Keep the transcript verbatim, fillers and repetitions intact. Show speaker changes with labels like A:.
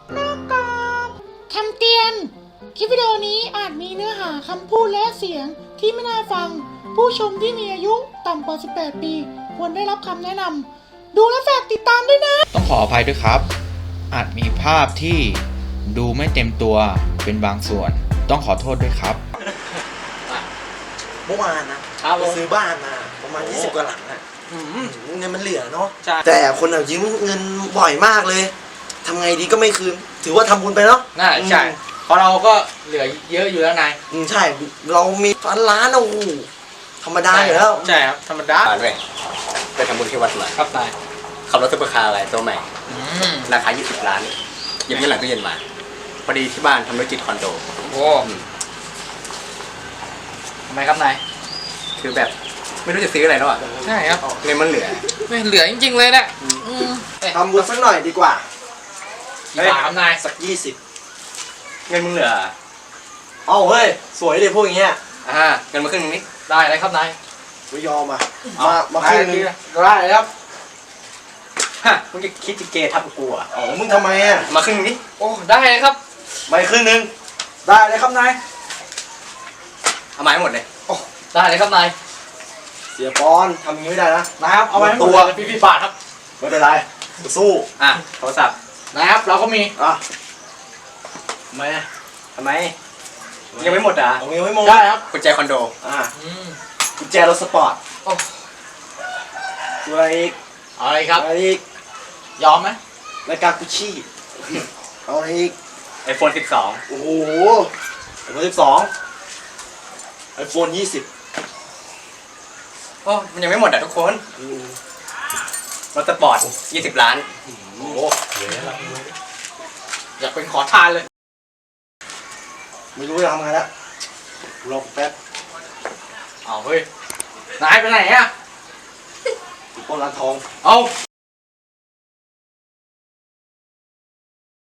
A: นอกกรอบคำเตือนคลิปวิดีโอนี้อาจมีเนื้อหาคำพูดและเสียงที่ไม่น่าฟังผู้ชมที่มีอายุต่ำกว่าสิบแปดปีควรได้รับคำแนะนำดูและฝากติดตามด้วยนะ
B: ต้องขออภัยด้วยครับอาจมีภาพที่ดูไม่เต็มตัวเป็นบางส่วนต้องขอโทษด้วยครับ
C: เมื่อวานนะไปซื้อบ้านมาประมาณยี่สิบกว่าหลังอะเงินมันเหลือเนาะแต่คนเอายืมเงินบ่อยมากเลยทำไงดีก็ไม่คืนถือว่าทำบุญไปเนาะ
D: น่าใช่เพราะเราก็เหลือเยอะอยู่แล้วนาย
C: อืมใช่เรามีพันล้านโอ้โหธรรมดาอยู่แล้ว
D: ใช่ครับธรรมดา
E: ด้วยไปทำบุญที่วัดมา
D: ครับนาย
E: ขับรถซุปเปอร์คาร์อะไรตัวใหม่ราคายี่สิบล้านเย็บเงินหลังตู้เย็นมาพอดีที่บ้านทำธุรกิจคอนโด
D: โอ้ทำไมครับนาย
E: คือแบบไม่รู้จะซื้ออะไรแล้วอ่ะ
D: ใช่ครับ
E: เงินมันเหลือ
D: ไม่เหลือจริงๆเลยนะ
C: ทำบุญสักหน่อยดีกว่า
D: กี่บาทครับนาย
C: สักยี่สิบ
E: เงินมึงเหลือ
C: เอ้าเฮ้ยสวยเลยพวกอย่างเงี้ย
E: อ่าเงินมาครึ่งนึงนี่
D: ได้เลยครับนาย
C: ไม่ยอมอ่ะมามาครึ่งนึง
D: ได้เลยครับ
E: ฮะมึงจะคิดจะเกย์ทับกูอ่ะ
C: อ๋อมึงทำไมอ่ะ
E: มาครึ่งนึงนี่
D: โอ้ได้เลยครับ
C: ไม่ครึ่งนึงได้เลยครับนาย
E: เอาไม้หมดเลย
D: โอ้ได้เลยครับนาย
C: เสียปอนทำอย่างนี้ไม่ได้นะ
D: นะครับเอาไว้ให้หมดเลยพี่พี่บาทครับ
C: ไม่เป็นไรสู้
E: อ่ะโทรศัพท์
D: นะครับเราก็มี
C: อ่ะ
E: ทำไมทำไมยังไม่หมดอ่ะ
C: ยังไม่หมด
D: ได้ครับ
E: กุญแจคอนโด
C: อ่ะกุญแจรถสปอร์ต
D: โอ้
C: อะไรอีก
D: อะไรครับ
C: อะไรอีก
D: ยอมไหม
C: รายการกุชชี่เอาอะไรอีก
E: ไอโฟนสิบสอง
C: โอ้โหไอโฟนสิบสองไอโฟนยี่สิบ
E: โอ้มันยังไม่หมดอ่ะทุกคนรถสปอร์ตยี่สิบล้าน
C: โอ้โหเยอะแล้ว
D: อยากเป็นขอทานเลย
C: ไม่รู้จะทำไงแล้วรอแป๊บ
D: เอาเฮ้ยนายไปไหนอ่ะ
C: ปล้นร้านทอง
D: เอา